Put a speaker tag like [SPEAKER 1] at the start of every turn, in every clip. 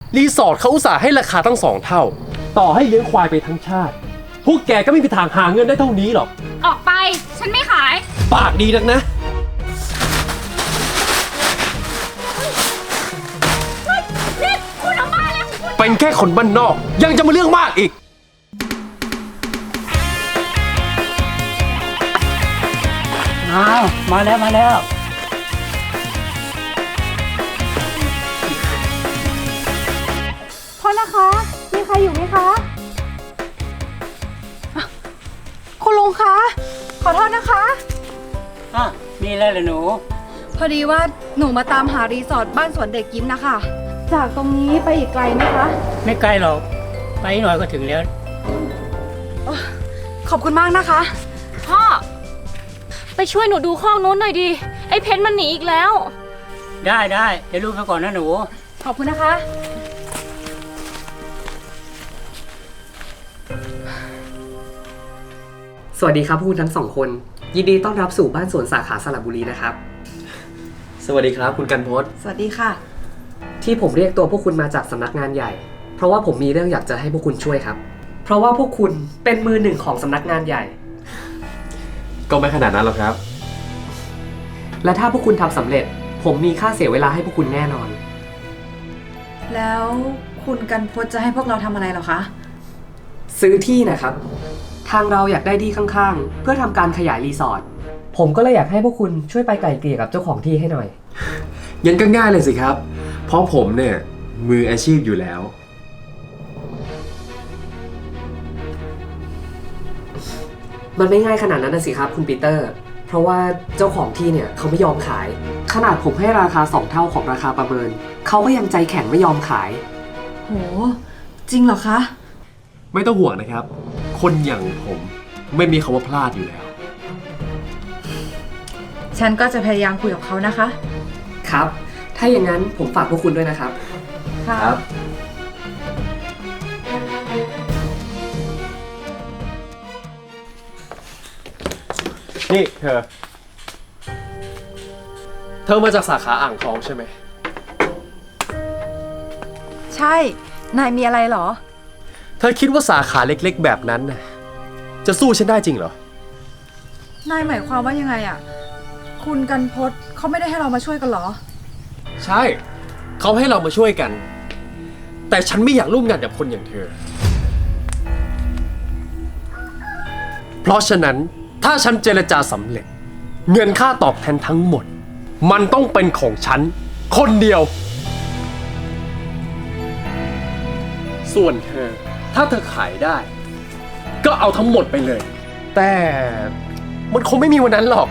[SPEAKER 1] รีสอร์ทเขาอุตส่าห์ให้ราคาตั้ง2 เท่าต่อให้เลี้ยงควายไปทั้งชาติพวกแกก็ไม่มีทางหาเงินได้เท่านี้หรอก
[SPEAKER 2] ออกไปฉันไม่ขาย
[SPEAKER 1] ปากดีนักนะ
[SPEAKER 2] นี่คุณออกมาแล้ว
[SPEAKER 1] เป็นแค่คนบ้านนอกยังจะมาเรื่องมากอีก
[SPEAKER 3] อ้าวมาแล้ว
[SPEAKER 4] โทษนะคะ มีใครอยู่ไหมคะ คุณลุงคะ ขอโทษนะคะ
[SPEAKER 3] มีอะไรเหรอหนู
[SPEAKER 4] พอดีว่าหนูมาตามหารีสอร์ทบ้านสวนเด็กยิ้มนะคะ จากตรงนี้ไปอีกไกลไหมคะ
[SPEAKER 3] ไม่ไกลหรอก ไปหน่อยก็ถึงแล้ว
[SPEAKER 4] ขอบคุณมากนะคะ
[SPEAKER 2] พ่อไปช่วยหนูดูข้องนู้นหน่อยดิไอ้เพชรมันหนีอีกแล้ว
[SPEAKER 3] ได้เดี๋ยวลูกไปก่อนนะหนู
[SPEAKER 4] ขอบคุณนะคะ
[SPEAKER 5] สวัสดีครับคุณทั้งสองคนยินดีต้อนรับสู่บ้านสวนสาขาสระบุรีนะครับ
[SPEAKER 1] สวัสดีครับคุณกันพศ
[SPEAKER 4] สวัสดีค่ะ
[SPEAKER 5] ที่ผมเรียกตัวพวกคุณมาจากสำนักงานใหญ่เพราะว่าผมมีเรื่องอยากจะให้พวกคุณช่วยครับเพราะว่าพวกคุณเป็นมือหนึ่งของสำนักงานใหญ่
[SPEAKER 1] ก็ไม่ขนาดนั้นหรอกครับ
[SPEAKER 5] และถ้าพวกคุณทำสำเร็จผมมีค่าเสียเวลาให้พวกคุณแน่นอน
[SPEAKER 4] แล้วคุณกันพจน์จะให้พวกเราทำอะไรหรอคะ
[SPEAKER 5] ซื้อที่นะครับทางเราอยากได้ที่ข้างๆเพื่อทำการขยายรีสอร์ทผมก็เลยอยากให้พวกคุณช่วยไปไกล่เกลี่ยกับเจ้าของที่ให้หน่อย
[SPEAKER 1] ยังก็ง่ายเลยสิครับเพราะผมเนี่ยมืออาชีพอยู่แล้ว
[SPEAKER 5] มันไม่ง่ายขนาดนั้นนะสิครับคุณปีเตอร์เพราะว่าเจ้าของที่เนี่ยเขาไม่ยอมขายขนาดผมให้ราคา2 เท่าของราคาประเมินเขาก็ยังใจแข็งไม่ยอมขาย
[SPEAKER 4] โหจริงเหรอคะ
[SPEAKER 1] ไม่ต้องห่วงนะครับคนอย่างผมไม่มีคำว่าพลาดอยู่แล้ว
[SPEAKER 4] ฉันก็จะพยายามคุยกับเขานะคะ
[SPEAKER 5] ครับถ้าอย่างนั้นผมฝากพวกคุณด้วยนะครับ
[SPEAKER 1] ครับนี่เธอมาจากสาขาอ่างทองใช่ไหม
[SPEAKER 4] ใช่นายมีอะไรเหรอ
[SPEAKER 1] เธอคิดว่าสาขาเล็กๆแบบนั้นน่ะจะสู้ฉันได้จริงเหรอ
[SPEAKER 4] นายหมายความว่ายังไงอ่ะคุณกันพจน์เขาไม่ได้ให้เรามาช่วยกันเหรอ
[SPEAKER 1] ใช่เขาให้เรามาช่วยกันแต่ฉันไม่อยากร่วมงานกับคนอย่างเธอเพราะฉะนั้นถ้าฉันเจรจาสำเร็จเงินค่าตอบแทนทั้งหมดมันต้องเป็นของฉันคนเดียวส่วนเธอถ้าเธอขายได้ก็เอาทั้งหมดไปเลยแต่มันคงไม่มีวันนั้นหรอก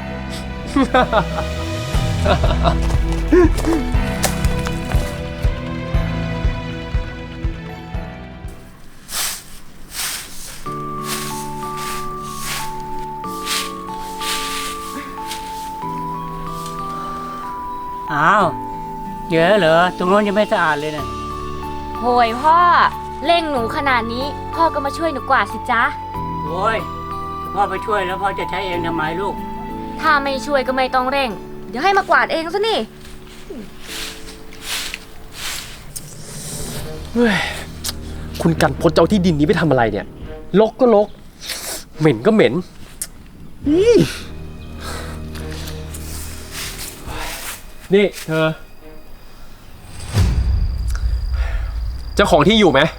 [SPEAKER 3] อ้าวเยอะเหรอตรงโน้นยังไม่สะอาดเลยนะ
[SPEAKER 2] โหยพ่อเร่งหนูขนาดนี้พ่อก็มาช่วยหนูกวาดสิจ๊ะ
[SPEAKER 3] โอ้ยพ่อไปช่วยแล้วพ่อจะใช้เองทำไมลูก
[SPEAKER 2] ถ้าไม่ช่วยก็ไม่ต้องเร่งเดี๋ยวให้มากวาดเองซะนี่
[SPEAKER 1] คุณกันพจน์เจ้าที่ดินนี้ไปทำอะไรเนี่ยรกก็รกเหม็นก็เหม็นนี่เธอเจ้าของที่อยู่ไหม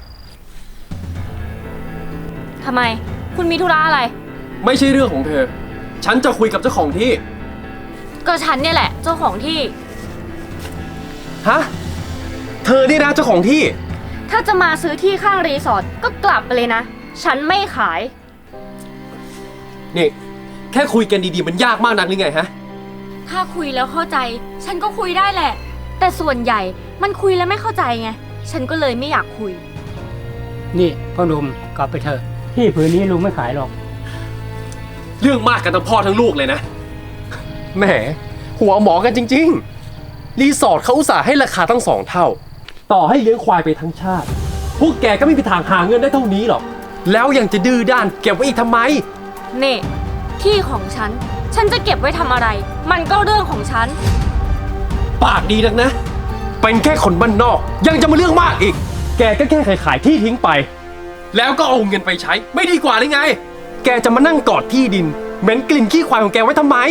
[SPEAKER 2] ทำไมคุณมีธุระอะไร
[SPEAKER 1] ไม่ใช่เรื่องของเธอฉันจะคุยกับเจ้าของที่
[SPEAKER 2] ก็ฉันเนี่ยแหละเจ้าของที่
[SPEAKER 1] ฮะเธอนี่นะเจ้าของที่
[SPEAKER 2] ถ้าจะมาซื้อที่ข้างรีสอร์ทก็กลับไปเลยนะฉันไม่ขาย
[SPEAKER 1] นี่แค่คุยกันดีๆมันยากมากนักหรือไงฮะ
[SPEAKER 2] ถ้าคุยแล้วเข้าใจฉันก็คุยได้แหละแต่ส่วนใหญ่มันคุยแล้วไม่เข้าใจไงฉันก็เลยไม่อยากคุย
[SPEAKER 3] นี่พ่อหนุ่มกลับไปเถอะที่ผืนนี้ลุงไม่ขายหรอก
[SPEAKER 1] เรื่องมากกันทั้งพ่อทั้งลูกเลยนะแหมหัวหมอกันจริงๆรีสอร์ทเขาอุตส่าห์ให้ราคาตั้ง2 เท่าต่อให้เลี้ยงควายไปทั้งชาติพวกแกก็ไม่มีทางหาเงินได้เท่านี้หรอกแล้วยังจะดื้อด้านเก็บไว้อีกทำไม
[SPEAKER 2] นี่ที่ของฉันจะเก็บไว้ทำอะไรมันก็เรื่องของฉัน
[SPEAKER 1] ปากดีนักนะเป็นแค่คนบ้านนอก ยังจะมาเรื่องมากอีก แกก็แค่ขายที่ทิ้งไป แล้วก็เอาเงินไปใช้ ไม่ดีกว่าเลยไง แกจะมานั่งกอดที่ดินเหม็นกลิ่นขี้ควายของแกไว้ทำไม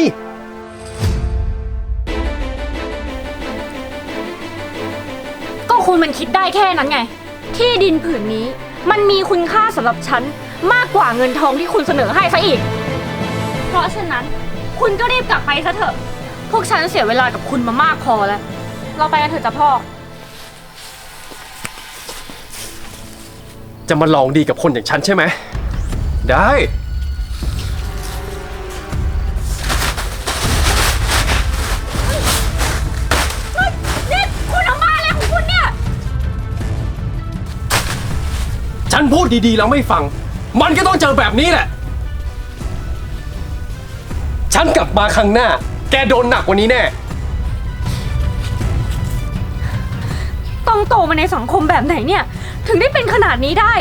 [SPEAKER 2] ก็คุณมันคิดได้แค่นั้นไง ที่ดินผืนนี้มันมีคุณค่าสำหรับฉันมากกว่าเงินทองที่คุณเสนอให้ซะอีก เพราะฉะนั้นคุณก็รีบกลับไปซะเถอะ พวกฉันเสียเวลากับคุณมามากพอแล้ว เราไปกันเถอะจ้ะพ่อ
[SPEAKER 1] จะมาลองดีกับคนอย่างฉันใช่ไหม ได้
[SPEAKER 2] นี่คุณทำบ้าอะไรของคุณเนี่ย
[SPEAKER 1] ฉันพูดดีๆแล้วไม่ฟัง มันก็ต้องเจอแบบนี้แหละ ฉันกลับมาครั้งหน้า แกโดนหนักกว่านี้แน่
[SPEAKER 2] ต้องโตมาในสังคมแบบไหนเนี่ย ถึงได้เป็นขนาดนี้ได้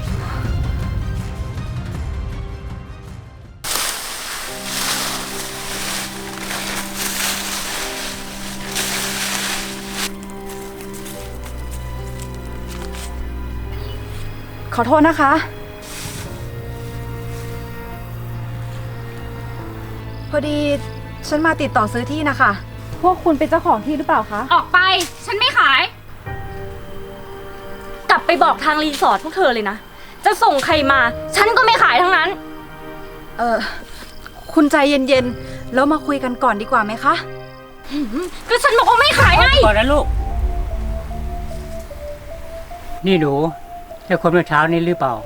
[SPEAKER 4] ขอโทษนะคะ พอดีฉันมาติดต่อซื้อที่นะคะ พวกคุณเป็นเจ้าของที่หรือเปล่าคะ
[SPEAKER 2] ออกไป ฉันไม่ขาย กลับไปบอกทางรีสอร์ทพวกเธอเลยนะ จะส่งใครมา ฉันก็ไม่ขายทั้งนั้น
[SPEAKER 4] คุณใจเย็นๆ แล้วมาคุยกันก่อนดีกว่าไหมคะ
[SPEAKER 2] ก็ฉันบอกว่าไม่ขายไง
[SPEAKER 3] ก่อนนะลูก นี่หนูใช่คนเมื่อเช้านี้หรือเปล่า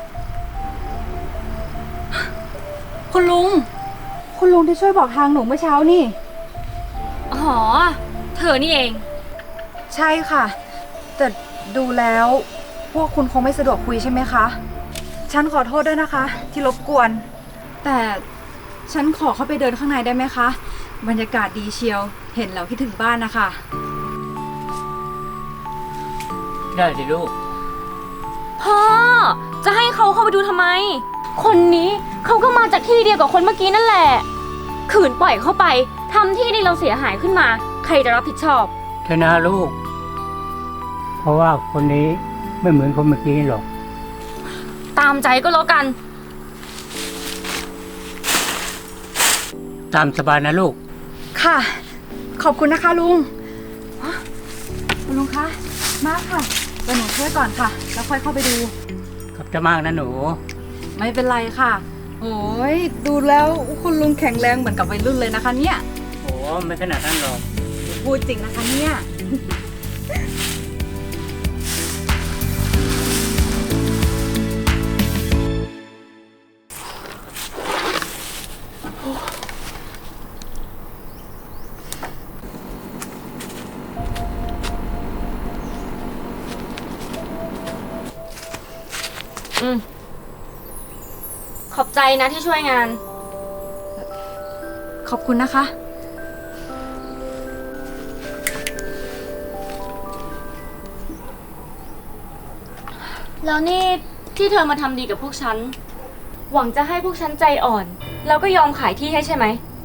[SPEAKER 4] คุณลุง คุณลุงที่ช่วยบอกทางหนูเมื่อเช้านี่
[SPEAKER 2] อ๋อ เธอนี่เอง
[SPEAKER 4] ใช่ค่ะ แต่ดูแล้วพวกคุณคงไม่สะดวกคุยใช่ไหมคะ ฉันขอโทษด้วยนะคะ ที่รบกวน แต่ฉันขอเข้าไปเดินข้างในได้ไหมคะ บรรยากาศดีเชียว เห็นแล้วคิดถึงบ้านนะคะ
[SPEAKER 3] ได้สิลูก
[SPEAKER 2] พ่อ จะให้เขาเข้าไปดูทำไม คนนี้เขาก็มาจากที่เดียวกับคนเมื่อกี้นั่นแหละ ขืนปล่อยเข้าไปทำที่ดินเราเสียหายขึ้นมา ใครจะรับผิดชอบ
[SPEAKER 3] เธอนะลูก เพราะว่าคนนี้ไม่เหมือนคนเมื่อกี้หรอก
[SPEAKER 2] ตามใจก็แล้วกัน
[SPEAKER 3] ตามสบายนะลูก
[SPEAKER 4] ค่ะ ขอบคุณนะคะลุงคุณลุงคะ มาค่ะเดี๋ยวหนูช่วยก่อนค่ะ แล้วค่อยเข้าไปดู
[SPEAKER 3] ขอบใจมากนะหนู
[SPEAKER 4] ไม่เป็นไรค่ะ โอ้ยดูแล้วคุณลุงแข็งแรงเหมือนกับวัยรุ่นเลยนะคะเนี่ย
[SPEAKER 3] โอ้ไม่ขนาดนั้นหรอก
[SPEAKER 4] พูดจริงนะคะเนี่ย
[SPEAKER 2] ขอบใจนะที่ช่วยงาน
[SPEAKER 4] ขอบคุณนะคะ
[SPEAKER 2] แล้วนี่ที่เธอมาทำดีกับพวกฉัน หวังจะให้พวกฉันใจอ่อน แล้วก็ยอมขายที่ให้ใช่ไหม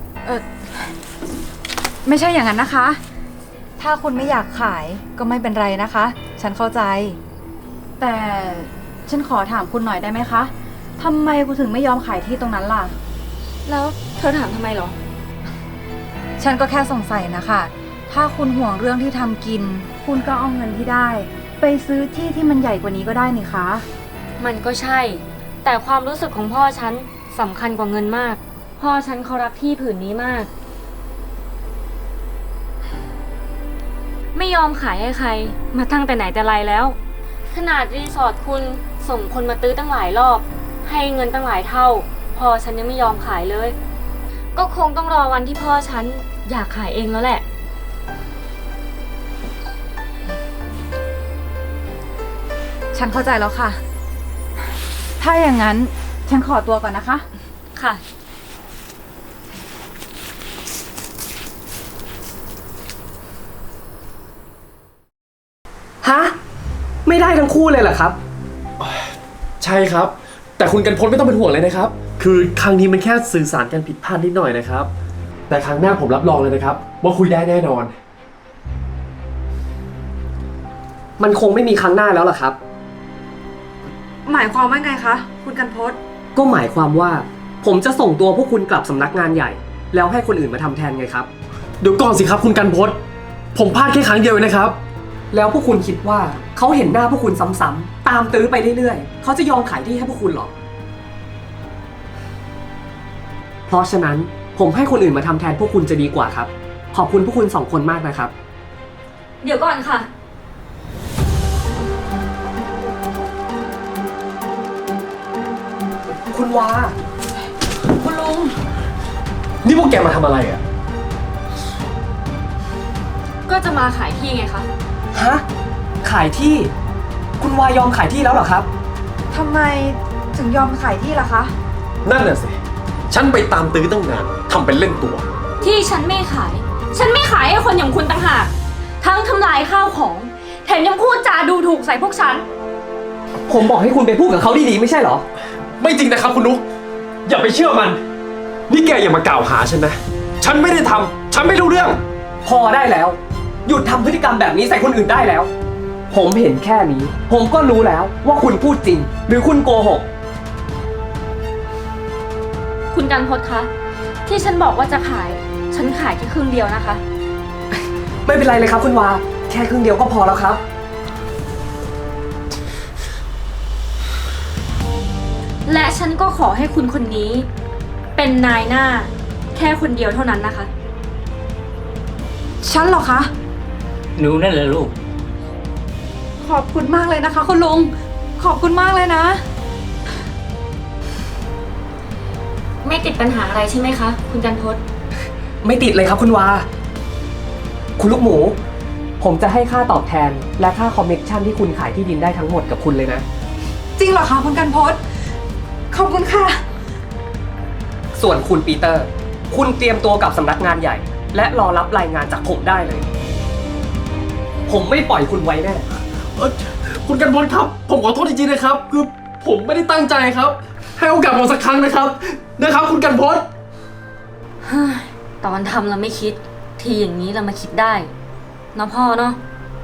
[SPEAKER 4] ไม่ใช่อย่างนั้นนะคะ ถ้าคุณไม่อยากขายก็ไม่เป็นไรนะคะ ฉันเข้าใจ แต่ฉันขอถามคุณหน่อยได้ไหมคะทำไมคุณถึงไม่ยอมขายที่ตรงนั้นล่ะ
[SPEAKER 2] แล้วเธอถามทำไมเหรอ
[SPEAKER 4] ฉันก็แค่สงสัยนะคะ ถ้าคุณห่วงเรื่องที่ทำกิน คุณก็เอาเงินที่ได้ ไปซื้อที่ที่มันใหญ่กว่านี้ก็ได้นี่คะ
[SPEAKER 2] มันก็ใช่ แต่ความรู้สึกของพ่อฉันสำคัญกว่าเงินมาก พ่อฉันเขารักที่ผืนนี้มาก ไม่ยอมขายให้ใคร มาตั้งแต่ไหนแต่ไรแล้ว ขนาดรีสอร์ทคุณส่งคนมาตื้อตั้งหลายรอบ ให้เงินตั้งหลายเท่า พ่อฉันยังไม่ยอมขายเลย ก็คงต้องรอวันที่พ่อฉันอยากขายเองแล้วแหละ
[SPEAKER 4] ฉันเข้าใจแล้วค่ะ ถ้าอย่างนั้นฉันขอตัวก่อนนะคะ
[SPEAKER 2] ค่ะ
[SPEAKER 5] ฮะ ไม่ได้ทั้งคู่เลยเหรอครับ
[SPEAKER 1] ใช่ครับ แต่คุณกันพลไม่ต้องเป็นห่วงเลยนะครับ คือครั้งนี้มันแค่สื่อสารกันผิดพลาดนิดหน่อยนะครับ แต่ครั้งหน้าผมรับรองเลยนะครับ ว่าคุยได้แน่นอน
[SPEAKER 5] มันคงไม่มีครั้งหน้าแล้วล่ะครับ
[SPEAKER 4] หมายความว่าไงคะ คุณกันพศ
[SPEAKER 5] ก็หมายความว่า ผมจะส่งตัวพวกคุณกลับสำนักงานใหญ่ แล้วให้คนอื่นมาทำแทนไงครับ
[SPEAKER 1] เดี๋ยวก่อนสิครับคุณกันพศผมพลาดแค่ครั้งเดียวเองนะครับ
[SPEAKER 5] แล้วพวกคุณคิดว่าเขาเห็นหน้าพวกคุณซ้ำๆตามตื้อไปเรื่อยๆเขาจะยอมขายที่ให้พวกคุณหรอ เพราะฉะนั้นผมให้คนอื่นมาทำแทนพวกคุณจะดีกว่าครับ ขอบคุณพวกคุณ2 คนมากนะครับ
[SPEAKER 2] เดี๋ยวก่อนค่ะ
[SPEAKER 5] คุณวา
[SPEAKER 2] คุณลุง
[SPEAKER 1] นี่พวกแกมาทำอะไรอ่ะ
[SPEAKER 2] ก็จะมาขายที่ไงคะ
[SPEAKER 5] ฮะ ขายที่ คุณวายอมขายที่แล้วเหรอครับ
[SPEAKER 4] ทำไมถึงยอมขายที่ล่ะคะ
[SPEAKER 1] นั่นน่ะสิ ฉันไปตามตื้อตั้งนานทำเป็นเล่นตัว
[SPEAKER 2] ที่ฉันไม่ขาย ฉันไม่ขายให้คนอย่างคุณต่างหาก ทั้งทำลายข้าวของ แถมยังพูดจาดูถูกใส่พวกฉัน
[SPEAKER 5] ผมบอกให้คุณไปพูดกับเขาดีๆไม่ใช่เหรอ
[SPEAKER 1] ไม่จริงนะครับคุณนุ๊กอย่าไปเชื่อมัน นี่แกอย่ามากล่าวหาฉันนะ ฉันไม่ได้ทำฉันไม่รู้เรื่อง
[SPEAKER 5] พอได้แล้ว หยุดทำพฤติกรรมแบบนี้ใส่คนอื่นได้แล้ว ผมเห็นแค่นี้ ผมก็รู้แล้วว่าคุณพูดจริง หรือคุณโกหก
[SPEAKER 2] คุณกันพศคะ ที่ฉันบอกว่าจะขาย ฉันขายแค่ครึ่งเดียวนะคะ
[SPEAKER 5] ไม่เป็นไรเลยครับคุณวา แค่ครึ่งเดียวก็พอแล้วครับ
[SPEAKER 2] และฉันก็ขอให้คุณคนนี้ เป็นนายหน้า แค่คนเดียวเท่านั้นนะคะ
[SPEAKER 4] ฉันเหรอคะ
[SPEAKER 3] หนูนั่นแหละลูก
[SPEAKER 4] ขอบคุณมากเลยนะคะ คุณลุง ขอบคุณมากเลยนะ
[SPEAKER 2] ไม่ติดปัญหาอะไรใช่ไหมคะ คุณกันพศ
[SPEAKER 5] ไม่ติดเลยครับคุณวา คุณลูกหมู ผมจะให้ค่าตอบแทน และค่าคอมมิชชั่นที่คุณขายที่ดินได้ทั้งหมดกับคุณเลยนะ
[SPEAKER 4] จริงเหรอคะคุณกันพศขอบคุณค่ะ
[SPEAKER 5] ส่วนคุณปีเตอร์ คุณเตรียมตัวกับสำนักงานใหญ่ และรอรับรายงานจากผมได้เลย ผมไม่ปล่อยคุณไว้แน่
[SPEAKER 1] คุณกันพศครับ ผมขอโทษจริงๆนะครับ คือผมไม่ได้ตั้งใจครับ ให้โอกาสผมสักครั้งนะครับ คุณกันพศ
[SPEAKER 2] ตอนทำเราไม่คิด ทีอย่างนี้เรามาคิดได้เนาะพ่อเนาะ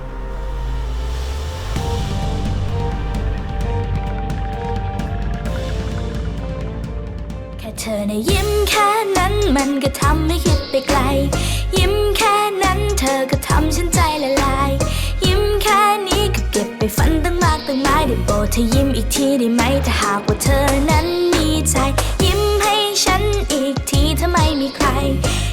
[SPEAKER 6] แค่เธอนะยิ้มแค่นั้นมันก็ทำให้คิดไปไกล ยิ้มแค่นั้นเธอก็ทำฉันใจละลาย ยิ้มแค่นี้ก็เก็บไปฝันตั้งมากตั้งหลายได้โปรดเธอยิ้มอีกทีได้ไหมถ้าหากว่าเธอนั้นมีใจ ยิ้มให้ฉันอีกทีถ้าไม่มีใคร